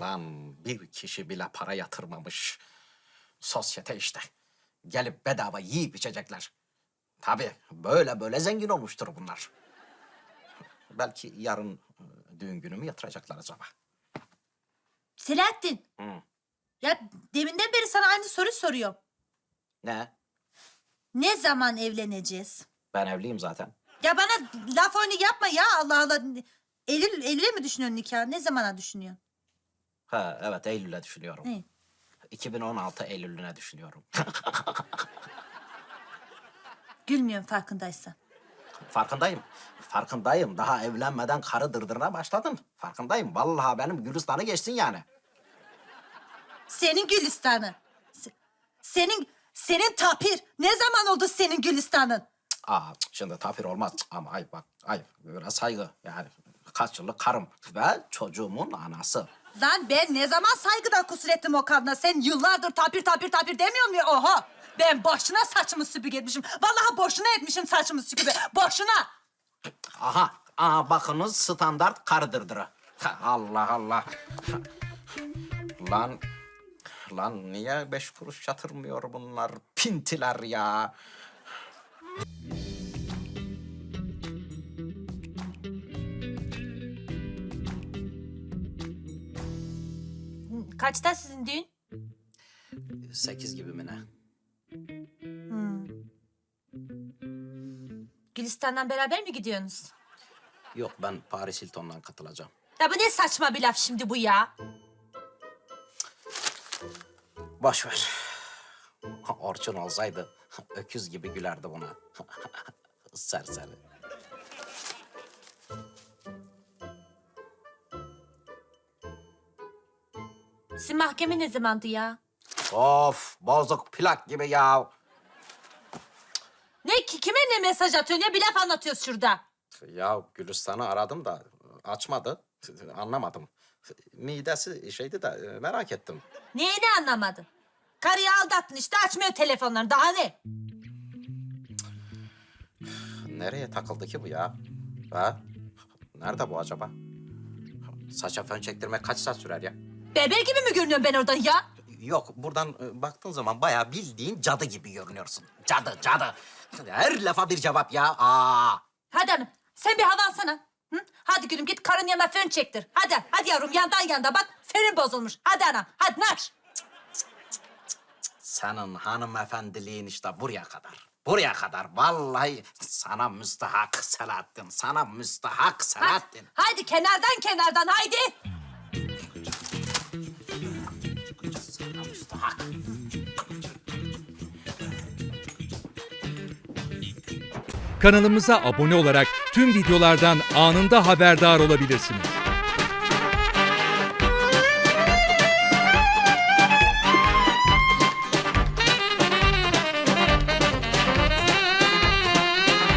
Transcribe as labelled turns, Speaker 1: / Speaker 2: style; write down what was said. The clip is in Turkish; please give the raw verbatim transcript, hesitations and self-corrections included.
Speaker 1: Lan bir kişi bile para yatırmamış. Sosyete işte. Gelip bedava yiyip içecekler. Tabii böyle böyle zengin olmuştur bunlar. Belki yarın e, düğün günümü yatıracaklar acaba.
Speaker 2: Selahattin.
Speaker 1: Hı.
Speaker 2: Ya deminden beri sana aynı soru soruyorum.
Speaker 1: Ne?
Speaker 2: Ne zaman evleneceğiz?
Speaker 1: Ben evliyim zaten.
Speaker 2: Ya bana laf oyunu yapma ya, Allah Allah. Eylül, Eylül'e mi düşünüyorsun nikah? Ne zamana düşünüyorsun?
Speaker 1: Ha evet, Eylül'e düşünüyorum.
Speaker 2: Ne?
Speaker 1: iki bin on altı Eylül'üne düşünüyorum.
Speaker 2: Gülmüyorum farkındaysan.
Speaker 1: Farkındayım. Farkındayım. Daha evlenmeden karı dırdırına başladım. Farkındayım. Vallahi benim Gülistan'ı geçsin yani.
Speaker 2: Senin Gülistan'ı. Se- Senin, senin tapir. Ne zaman oldu senin Gülistan'ın?
Speaker 1: Aa, şimdi tapir olmaz. Ama ayıp bak. Ayıp. Biraz saygı. Yani kaç yıllık karım ve çocuğumun anası.
Speaker 2: Lan ben ne zaman saygıdan kusur ettim o kadına? Sen yıllardır tapir tapir tapir demiyor musun? Oha! Ben boşuna saçımı süpürge etmişim. Vallahi boşuna etmişim saçımı süpürge. Boşuna!
Speaker 1: Aha. Aha bakınız standart karı dırdırı. Ha, Allah Allah. Lan. Lan niye beş kuruş yatırmıyor bunlar? Pintiler ya.
Speaker 2: Kaçta sizin düğün?
Speaker 1: Sekiz gibi mi ne?
Speaker 2: Gülistan'dan beraber mi gidiyorsunuz?
Speaker 1: Yok, ben Paris Hilton'dan katılacağım.
Speaker 2: Ya bu ne saçma bir laf şimdi bu ya?
Speaker 1: Boş ver. Orçun olsaydı öküz gibi gülerdi buna. Serseri.
Speaker 2: Sizin mahkeme ne zamandı ya?
Speaker 1: Of, bozuk plak gibi ya.
Speaker 2: Ne ki kime ne mesaj atıyorsun ya? Bir laf anlatıyoruz şurada.
Speaker 1: Ya Gülistan'ı aradım da açmadı. Anlamadım. Midesi şeydi de merak ettim.
Speaker 2: Neyini anlamadın? Karıyı aldattın işte, açmıyor telefonlarını. Daha ne?
Speaker 1: Nereye takıldı ki bu ya? Ha? Nerede bu acaba? Saça fön çektirmek kaç saat sürer ya?
Speaker 2: Beber gibi mi görünüyorum ben oradan ya?
Speaker 1: Yok, buradan e, baktığın zaman bayağı bildiğin cadı gibi görünüyorsun. Cadı, cadı. Her lafa bir cevap ya. Aa.
Speaker 2: Hadi hanım, sen bir hava alsana. Hı? Hadi gülüm, git karın yanına fön çektir. Hadi, hadi yavrum, yandan yanda bak. Fönün bozulmuş. Hadi anam, hadi nar.
Speaker 1: Senin hanımefendiliğin işte buraya kadar. Buraya kadar. Vallahi sana müstahak Selahattin. Sana müstahak
Speaker 2: Hadi,
Speaker 1: Selahattin.
Speaker 2: hadi kenardan kenardan, haydi.
Speaker 1: Sana müstahak.
Speaker 3: Kanalımıza abone olarak tüm videolardan anında haberdar olabilirsiniz.